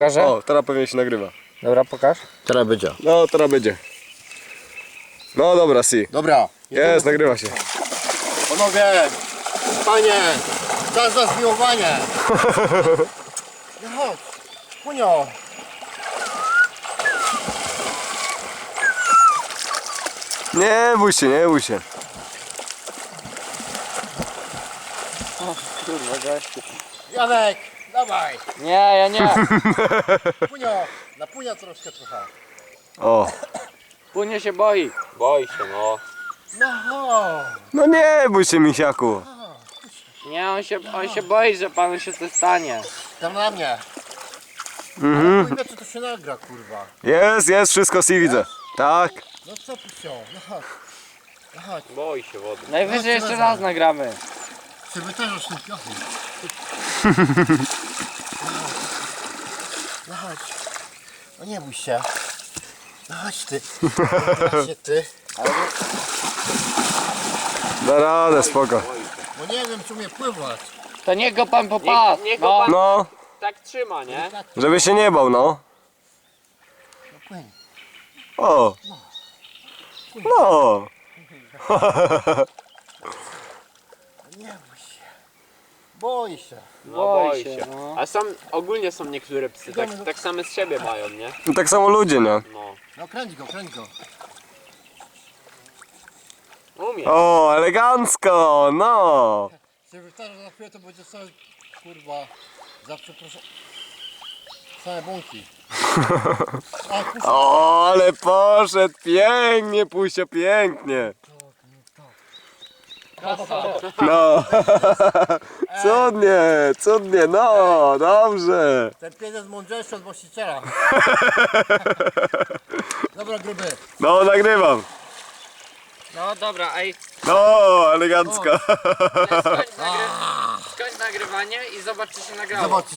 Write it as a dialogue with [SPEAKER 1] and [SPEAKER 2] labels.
[SPEAKER 1] Pokażę?
[SPEAKER 2] O, teraz pewnie się nagrywa.
[SPEAKER 1] Dobra, pokaż.
[SPEAKER 3] Teraz będzie.
[SPEAKER 2] No, teraz będzie. No dobra, si.
[SPEAKER 3] Dobra.
[SPEAKER 2] Jest, nagrywa się.
[SPEAKER 3] Panowie, panie, czas za zmiłowanie. No chodź, punio.
[SPEAKER 2] Nie bój się, nie bój się.
[SPEAKER 1] Kurwa, gościu.
[SPEAKER 3] Janek, dawaj.
[SPEAKER 1] Nie, ja nie.
[SPEAKER 3] Punio, na punia troszkę.
[SPEAKER 2] O.
[SPEAKER 1] Punie się boi. Boi się, no.
[SPEAKER 3] No chodź.
[SPEAKER 2] No nie bój się, misiaku.
[SPEAKER 1] Nie, on się boi, że panu się coś stanie.
[SPEAKER 3] Tam na mnie.
[SPEAKER 2] Mhm.
[SPEAKER 3] Kurwa, czy to się nagra, kurwa.
[SPEAKER 2] Jest, wszystko si widzę. Tak.
[SPEAKER 3] No co pusio, no chodź. No chodź.
[SPEAKER 1] Boi się wody. Najwyżej jeszcze raz nagramy.
[SPEAKER 3] Żeby też już nie piochy. No chodź. No nie bój się. No chodź ty. Chodź ty.
[SPEAKER 2] Da radę, spoko.
[SPEAKER 3] Bo nie wiem, czy umie pływać.
[SPEAKER 1] To niech go pan popadł. Niech go pan
[SPEAKER 2] No,
[SPEAKER 1] tak trzyma, nie?
[SPEAKER 2] żeby się nie bał, no.
[SPEAKER 3] No płyń.
[SPEAKER 2] O. No.
[SPEAKER 3] Nie bój się. Boi się.
[SPEAKER 1] Boi się. No.
[SPEAKER 4] A ogólnie są niektóre psy, tak same z siebie mają, nie?
[SPEAKER 2] I tak samo ludzie, nie?
[SPEAKER 4] No.
[SPEAKER 3] No kręć go, kręć go.
[SPEAKER 4] Umie.
[SPEAKER 2] O, elegancko, no.
[SPEAKER 3] Się wystarczy, że za chwilę to będzie całe, kurwa, za przepraszam. Same bąki. A, kurwa.
[SPEAKER 2] O, ale poszedł pięknie, Pusio, pięknie. No. Cudnie, no, dobrze.
[SPEAKER 3] Ten pies jest mądrzejszy od właściciela. Dobra, gruby.
[SPEAKER 2] No, nagrywam.
[SPEAKER 1] No dobra, ej,
[SPEAKER 2] No, elegancko.
[SPEAKER 1] skończ nagrywanie i zobacz, czy się nagrało.
[SPEAKER 3] Zobacz.